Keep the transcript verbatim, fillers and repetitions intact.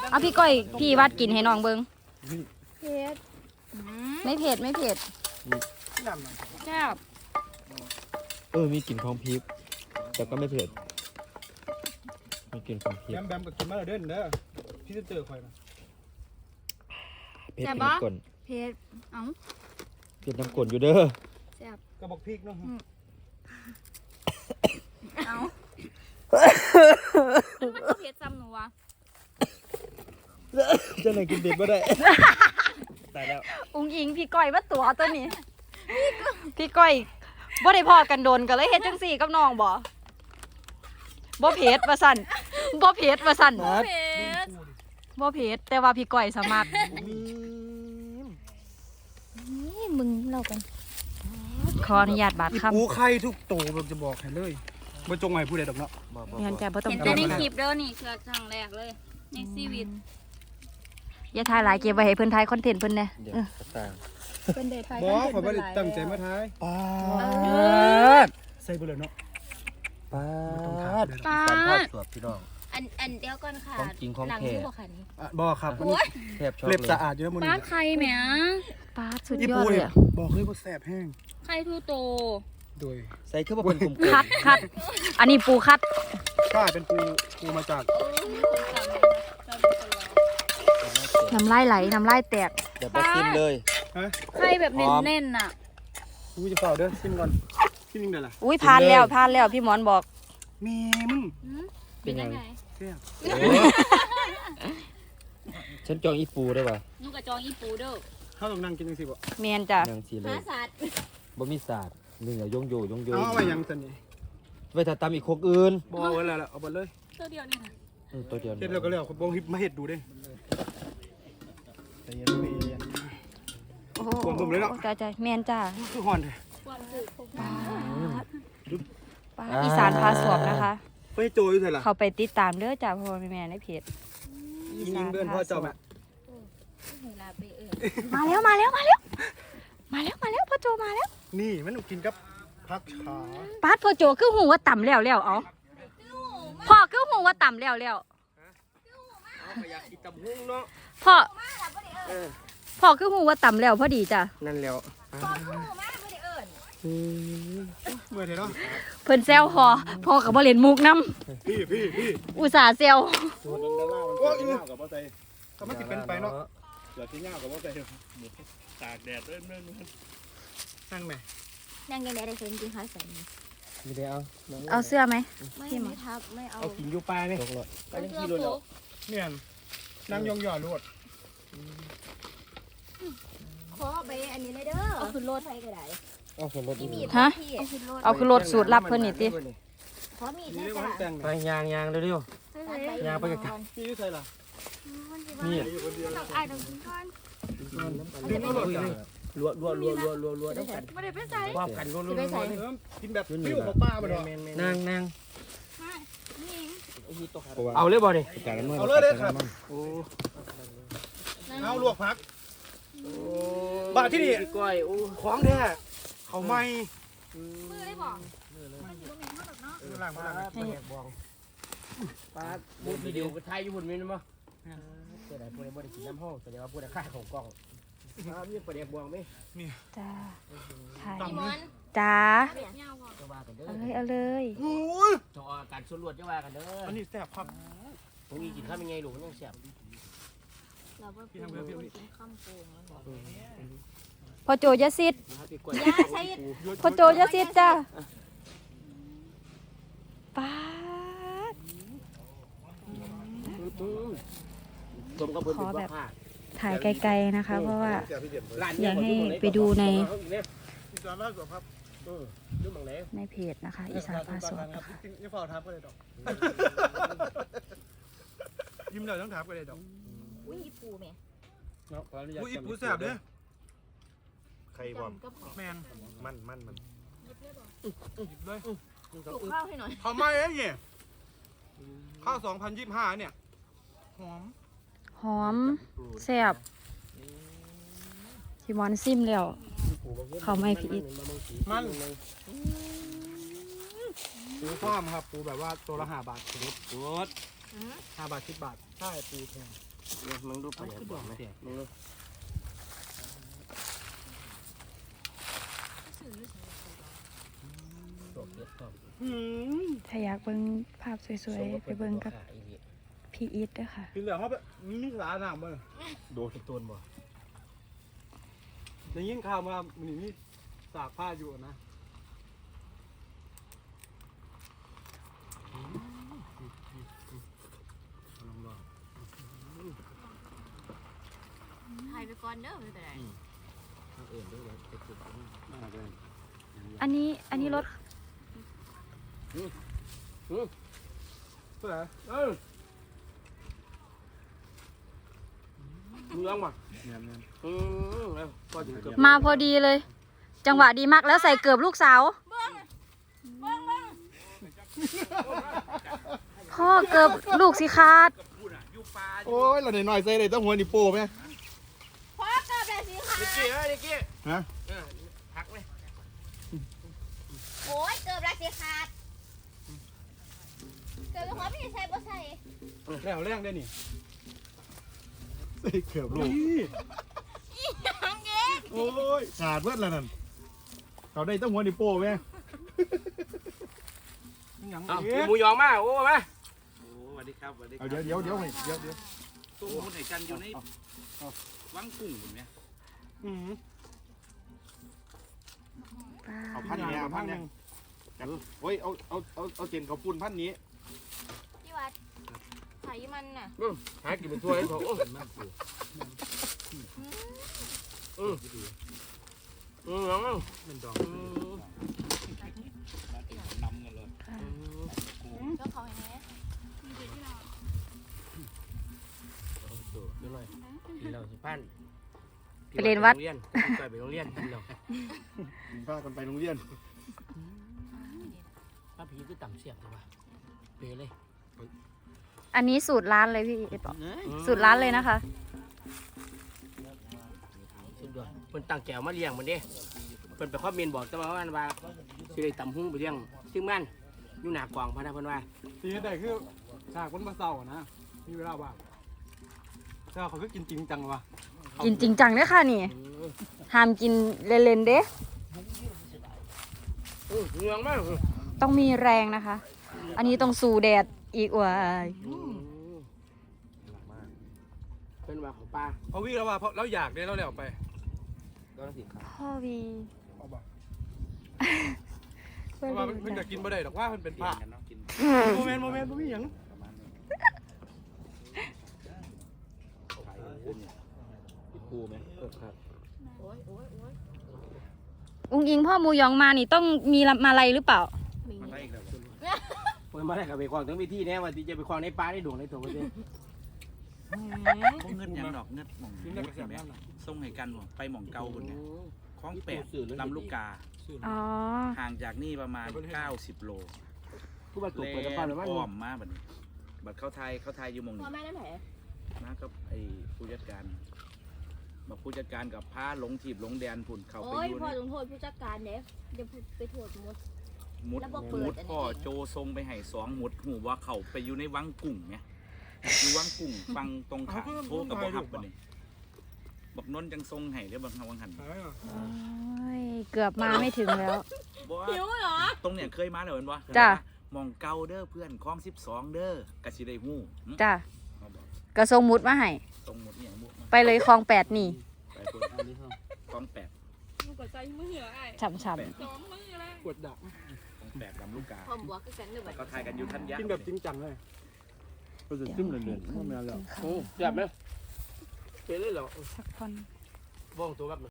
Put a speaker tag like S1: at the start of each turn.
S1: เอาพี่ก้อยพี่วัดกินให้น้องเบิ้ง
S2: เผ็ด
S1: ไม่เผ็ดไม่เผ็ดแซ่บ
S3: เออมีกลิ่นของพริกแต่ก็ไม่เผ็ดมีกลิ่นของพริก
S4: แบมแบมก็กินมาแล้วเด้อเด้อพี่จะเจอคอยนะ
S3: เผ็ดน้ำกลน
S2: เผ็ดเอ้า
S3: เผ็ดน้ำกลนอยู่เด้อ
S2: แซ่บ
S4: กระบอกพริกเนาะ
S2: เอ้ามันก็เผ็ดซ้ำหนูวะ
S3: จะไหนกินเผ็ดไม่ได้ตายแล้ว
S1: อุ้งอิงพี่ก้อยว่าตัวตัวนี้พี่ก้อยบ่ได้พอกันโดนกันเลยเฮ็ดจังสี่กับน้องบ่บ่เผ็ดว่าสั่นบ่เผ็ดว่าสั่น
S2: เผ็ด
S1: บ่เผ็ดแต่ว่าพี่ก้อยสมัครนี่มึงเล่ากันขออนุญาตบาดคำ
S4: ปูไข่ทุกโตเราจะบอกให้เลยบ่จงไว้ผู้ใดดอกเนาะ
S1: เงินจะบ่ต้อง
S2: เห็น
S1: จ
S2: แต่
S1: ม
S2: ใน
S1: นะ
S2: คลิปเด้อนี่คือครั้งแรกเลยในชีวิต
S1: อย่าถ่ายหลายเก็บไว้ให้เพิ่นถ่ายคอนเทนต์เพิ่นแน่
S3: เดี๋ยวต่าง
S2: เป็นเดทไทย
S4: บ่ขอยบ่ได้ตั้งใจมาทาย
S3: ป้าด
S4: ใส่เบ่เลยเนาะ
S3: ป้าด
S2: ป้า
S3: สารภาพสวบพี่น้อง
S2: อันอันเดียวก่อนค่ะ
S3: ของจริงของ
S2: หลัง
S3: แท้
S2: ที่บอกค่ะนี่
S4: อ่ะบ่ครับมัน
S3: แทบช็อก
S4: เล็บ
S3: เล
S4: สะ
S3: ย
S4: อาดเยอะมื้อ
S2: ป้า
S4: นี้
S2: ใครแหม
S1: ป้าดสุด
S4: อี
S1: ยอ
S4: ปู
S1: ดเล
S4: เนี่ย ย
S1: อะ
S4: บอกเลยว่าแซ่บแห้ง
S2: ใครทูโต
S4: โดย
S3: ใส่เครื่องมาเป็นกลุ่มๆ
S1: คัดคัดอันนี้ปูคัด
S4: ป้าเป็นปูปูมาจาก
S1: น้ำลายไหลน้ำลายแตก
S3: เดี๋ยวไปซิมเลย
S4: ฮะ
S2: ใครแบบเน้นๆน่ะ
S4: กูจะเฝ้าเด้อชิมก่อนชิมยังได้ล่ะ
S1: อุ้ยผ่านแล้วผ่านแล้วพี่หมอนบอก
S4: แม่มึง
S3: เป็นยัง
S2: ไง
S4: แซ่บ
S3: ฉันจองอีปูได้ป่ะ
S2: นุ่งกระจองอีปูเด้อ
S4: เฮาต้องนั่งกินจังซี่บ่
S1: เมียนจ้ะ
S3: นางสีเล
S2: หาย สัตว์
S3: บ่มีศาสตร์หนึ่งอะยงโยยงโย
S4: เอาเอาไว้ยังซั่นนี่
S3: ไว้ถ้าตำอีกคกอื่น
S4: บ่เอาไว้แล้วล่ะเอาไปเลย
S2: ตัวเดียวนี่ค่ะ
S3: อืมตัวเดียว
S4: เฮ็ดแล้วก็แล้วบ่ฮิปมาเฮ็ดดูเด้ใจเย็นใจเย็น
S1: โอ้โห
S4: กวนผมเลยเนาะ
S1: จ้าจ้าเมียนจ้า
S4: คือฮ้อนแท้
S2: ความสุข
S1: ป้าดอีสานพาสวบนะคะ
S4: ไปโจอยู่ไสล่ะ
S1: เขาไปติดตามเด้อจ้าพ่อแม่ในเพจ
S4: ยิงเดินพ่อเจ้าแม่
S2: เวลาไปเออ
S1: มาแล้วมาแล้วมาแล้วมาแล้วมาแล้วพ่อโจมาแล้ว
S4: นี่มันกินกับผักขา
S1: ป้าดพ่อโจคือหูว่าต่ำแล้วแล้วเอาพ่อคือหูว่าต่ำแล้วแล้ว
S4: อยากกินตำหุ้งเนาะ
S1: พ่อพ่อคือหูว่าต่ำแล้วพอดีจ้ะ
S4: นั่นแล้วเมื่อเถอะเนาะ
S1: เพิ่นแซวพ่อพ่อกับบ่เล่นมุกน้
S4: พี่พี่พี่
S1: ำอุตส่าห์แซว
S4: ตัวดำดำล่ามันเป็นเงากับบ่ใจก็มันสิเป็นไปเนาะเดี๋ยวที่เงากับบ่ใจตากแดดเล่นเล่นนั่งไหม
S2: นั่งยังไงได้เคยกินข้าวใส่นี่
S3: มีได้เอา
S1: เอาเสื้อไหม
S2: ไม่ไม่ทับไม่เอา
S4: เอากินอยู่ปลายนี่
S3: ตกเลย
S4: ก็ยังกินเลยเนี่ยนั่งยองหย่อรวด
S2: ขอไปอันนี้เลยเด้อเอาขึ้นรถไปก็ได้
S3: เอาส่วนลดอีก
S1: ฮะ
S2: เอาขึ้นรถ
S1: เอาคือรถสูตรลับเพิ่นนี่ติ
S2: ขอมีด
S4: นี่
S2: แม่
S4: เรียกว่า
S2: จ้ะ
S4: แต่ง
S3: ไปยางยางเร็ว ยาวไปกับ
S4: พี่ยุ่ใส่ล่ะ
S3: ๆนี่
S4: อยู่คนเดียว
S2: ต้องอายต้องกินก่อน
S4: ดึงเอารถกัน
S3: รัวรัวรัวรัวรัวรัวต้องกัน
S2: ไม่ได้ไปใส่
S3: ความกันรัวรัว
S2: ไป
S3: รัว
S2: ใส่
S4: กินแบบฟิวของป้าบ่เนาะ
S3: นางนาง
S2: นี่เอง
S3: เอาเลยบ่ดิ
S4: เอาเลยเลยครับโอ้เอาลวกผักบาทที่นี่
S3: ก้อยอู้
S4: ของแท้เขาไม่
S2: มือได้บอก
S4: ล่างมาล่าง
S3: ปลาบุญวิดีโอไทยอยู่บนนี้มั้งเกิดอะไรพวกนี้บ่ได้กินน้ำห้องแสดงว่าพวกนี้ค่าของกล้องอ้าวมีประเดี๋ยวบวงไหม
S1: จ้าถ่าย
S2: พี่มอน
S1: จ้า
S2: เบียดเงาบอก
S3: จะว่ากันเด้อ
S1: เอาเลยเอาเลย
S4: โอ้ย
S3: จอการส่วนรวดจะว่ากันเด้อ
S4: อันนี้แซ่บครับ
S3: ผมมีกินข้าวยังไงหลูกมันยังแซ่บ
S2: เราก็กินข้ามโกงแล้วบอก
S1: พ่อโจอยาซิด
S3: พี่ก้อย
S2: ยาใช้
S1: พ่อโจอยาซิดจ้าป้าด
S3: รวมกับเพิ่นเป็นว่าผ้า
S1: ถ่ายไกลๆนะคะ เพราะว่า อยากให้ไปดูใน
S4: อีสานบ้านสวนครับ
S3: เออดูบังไหน
S1: ในเพจนะคะ อีสานพาสวบ
S4: ครับนี่ฝ่าทับก็เลยดอกยิ้มหน่อยต้องทับก็เลยดอก
S2: อุ้ยปูแม่
S4: อุ้ยปูแซ่บเด้อ
S5: ใครบอก
S2: ก็พอ
S4: แมน
S5: มันมันมัน
S4: หยิบเลย
S2: ปลูกข้าวให้หน่อย
S4: เขาไม่เอ้ยเนี่ยข้าวสองพันยี่สิบห้าเนี่ยหอม
S1: หอมแซ่บพี่มอนซิมแล้ว เขาไม่ผิด
S4: มันปูฟ้อมครับปูแบบว่าตัวละห้าบาทสมมติ
S3: โคตร
S6: ห้าบาทสิบบาทใช่ปูแพง
S3: เนี่ยมึงดูปลาแดกบอกไหมมึงดู ตัวเก็บครับ
S1: ถ้าอยากเบิ่งภาพสวยๆไปเบิ่งกับพี่อีทด้วยค่ะ
S6: กินเหลือเขาไปมีสาหนามมั้ง
S3: โดนต้นบ่
S6: ได้ยินข่าวมามันนี่สากผ้าอยู่นะ
S2: ถ่ายไปก่อนเด้อไม่เป็นไร
S3: เอื่นด้วยเลยไปขุดมาเลย
S1: อันนี้อันนี้รถ
S6: เท่าไหร่
S3: เออมึงร้องมาอืมแล้วก็ถึงเกือบ
S1: มาพอดีเลย จังหวะดีมากแล้วใส่เกือบลูกสาวพ่อเกือบลูกสิขาด
S4: โอ้ยเราหน่อยๆใส่เลยต้องหัวนี่โป้ไหม
S2: พ่อเกิดแบบสีขาว
S3: นิกกี้เอ้ยนิกกี้
S4: ฮะ
S3: เออพักเลย
S2: โอ้ยเกิดแบบสีขาดเกิดเป็นหัวพี่ใส่บ่ใส่
S6: แล้วแรงได้นี่
S4: ใส่เกือบลูก
S2: ยังเงี้ย
S4: โอ้ยขาดเบิดแล้วนั่นเขาได้ต้องหัวนี่โป้ไหม
S6: ยัง
S3: เอา
S6: เอ๊ะ
S3: หมูยองมาโอ้มา
S7: โอ้สวัสดีครับสวัสดีค
S4: เอา
S7: รับ
S4: เดี๋ยวเดี๋ยวเดี๋ยวให้เดี๋ยวเดี๋ยว
S7: ตู้มุนไหนกันอยู่ในวังกุ้งเห็นไหม
S6: อืม
S4: เอาพันเนี้ยเอาพันเนี้ยกันโอ้ยเอาเอาเอาเอาเจนเขาปุ่นพันนี้
S2: พี่วัดไขมันน่ะ
S3: หากินเป็นถ้วยเขาโอ้อืมอืมน้อง
S6: เป็นดอก
S3: อืม
S7: นำกันเลย
S2: ก็เขาให้แน่
S3: ดูหน่อยกินเราสิป้าน
S1: ไปเรียนวัด
S3: ไปไปโรงเรียนกินเรา
S4: กินข้าวกันไปโรงเรียน
S3: ป้าพีก็ต่ำเสียบเลยว่ะเปเลย
S1: อันนี้สูตรร้านเลยพี่อีทบอกสูตรร้านเลยนะคะ
S3: สุดยอดเพิ่นตั้งแก้วมาเลี้ยงมันเด้เพิ่นไปคอมเมนต์บอกแต่ว่าว่าว่าสิได้ตำหุ้งไปเลี้ยงซึ่งมันอยู่หน้ากวางพะนะเพิ่นว่า
S6: ทีนี้ได้คือฉากมันมาเศร้านะมีเวลาว่างเจ้าเขาคือกินจริงจังวะ
S1: กินจริงจังเด้อค่ะนี่ห้ามกินเล่นๆเด้
S3: อือเหงืองมาก
S1: ต้องมีแรงนะคะ อันนี้ต้องสู่แดดอีกว่าย
S3: เพิ่นว่าของปลา
S6: เขาวิ่งแล้วว่าเพราะเราอยากได้เราแล้วไป
S1: พ่อวี
S6: เอาบ่เพราะว่าเพิ่นจะกินบ่ได้ดอกว่าเพิ่นเป็น
S7: เปลี่
S6: ผ้าย
S7: นกันเนาะกิน
S6: โมเมนต์โมเมนต์บ่มีหยัง
S7: ขายกุ้งเนี่ยปูไหมเออครับ
S2: โอ้ยโอ้ยโอ้ย
S1: อุ้งอิงพ่อหมูยองมานี่ต้องมีมาลัยหรือเปล่า
S2: มี
S7: มาได้อีกแล้ว
S3: เพิ่นมาได้กับไปควางถึงวิธีแน่ว่าที่จะไปควางในปลาในดวงในตัวเพิ่น
S7: พวกเงินยังดอกเงินหม่อง
S6: กินได้
S7: มุ
S6: ก
S7: ด
S6: ระแส
S7: เห็นไหม
S6: น้ำน่ะ
S7: ส่งให้กันบ่ไปหม่องเก่าคนเนี่ยคลองแปดลำลูกกา
S1: อ๋อ
S7: ห่างจากนี่ประมาณเก้าสิบโล
S3: ผู้บาด
S7: เล
S3: เจ็บเปิดตะปาหรือว่า
S7: อ้อมมาบัดนี้บัดเข้าไทยเข้าไทยอยู่หม่อง
S2: พ่อ
S7: นี้
S2: แม่น้ำแผล
S7: มากับไอ้ผู้จัดการมาผู้จัดการกับพาหลงถีบหลงแดนพุ่นเขาไป
S2: โอ้ย
S7: อยู่
S2: พ่อ
S7: ใน
S2: ลงโทษผู้จัดการเด้เดี๋ยวไปโทษหมด
S7: มุด
S2: แล้วบอกเปิด
S7: มุด
S2: อันนี้
S7: พ่อโจทรงไปให้สองมุดหูว่าเขาไปอยู่ในวังกุ้งเนี่ยอยู่วังกุ้งฟังตรงขาโทรกับบ่ฮับบัดนี้บอกนนท์จังทรงให้เด้อบังวังหัน
S6: หายอ่ะ
S1: โอ้ยเกือบมาไม่ถึงแล้ว
S7: บ่ว่า
S2: หิวเหรอ
S7: ตรงเนี่ยเคยมาแล้วเห็นบ่
S1: จ้ะ
S7: มองเก่าเด้อเพื่อนคลองสิบสองเด้อกะสิได้ฮู้หึ
S1: จ้ะ
S7: เอาบอก
S1: กระทรงมุดมาให้
S7: ตรงหมดเนี่ยมุดมา
S1: ไปเลยคลองแปดนี่
S7: ไปพุ่นคลองแปด
S2: มึงกดใจมือเหรอไอ้
S1: ฉ่ำ
S2: สองมือเลย
S6: ปวดดัก
S7: คลองแปดลำลูกกา
S2: พ่อบวกก็กันเลยแบบ
S7: เขาทายกันอยู่ทันยะ
S6: กินแบบจริงจังเลย
S4: ก็จะจิ้มเรื่อยๆไม่เอาแล้ว
S1: ๆ
S3: โอ้เจ็บไหมเปเลยเหรอ
S1: สักคน
S3: บ้องตัวแบบ